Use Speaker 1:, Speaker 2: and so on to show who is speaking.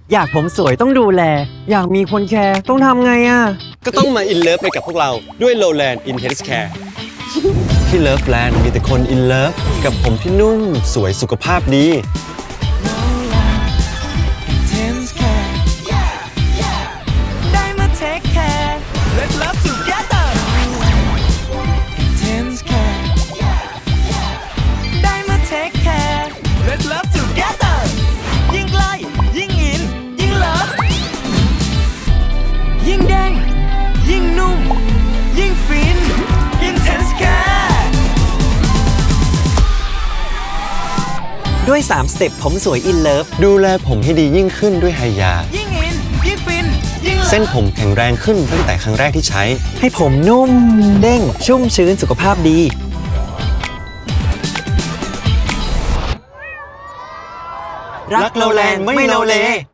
Speaker 1: อยากผมสวยต้องดูแล อยากมีคนแคร์ต้องทำไงอะ
Speaker 2: ก็ต้องมาอินเลิฟไปกับพวกเราด้วย Lowland Intense Care ที่ Loveland มีแต่คนอินเลิฟกับผมที่นุ่มสวยสุขภาพดี
Speaker 3: Intense care ได้มา take care Let's love together Intense care ได้มา take care Let's love together ยิ่งใกล้ยิ่งอินยิ่งเลิฟยิ่งเด้งยิ่งนุ่มยิ่งฟิน Intense care
Speaker 1: ด้วย3สเต็ปผมสวยอินเลิฟ
Speaker 2: ดูแลผมให้ดียิ่งขึ้นด้วยไฮยา
Speaker 3: ยิ่งอินยิ่งฟินยิ่งเลิฟ
Speaker 2: เส้นผมแข็งแรงขึ้นตั้งแต่ครั้งแรกที่ใช้
Speaker 1: ให้ผมนุ่มเด้งชุ่มชื้นสุขภาพดี รักโลแลนด์ไม่โลเล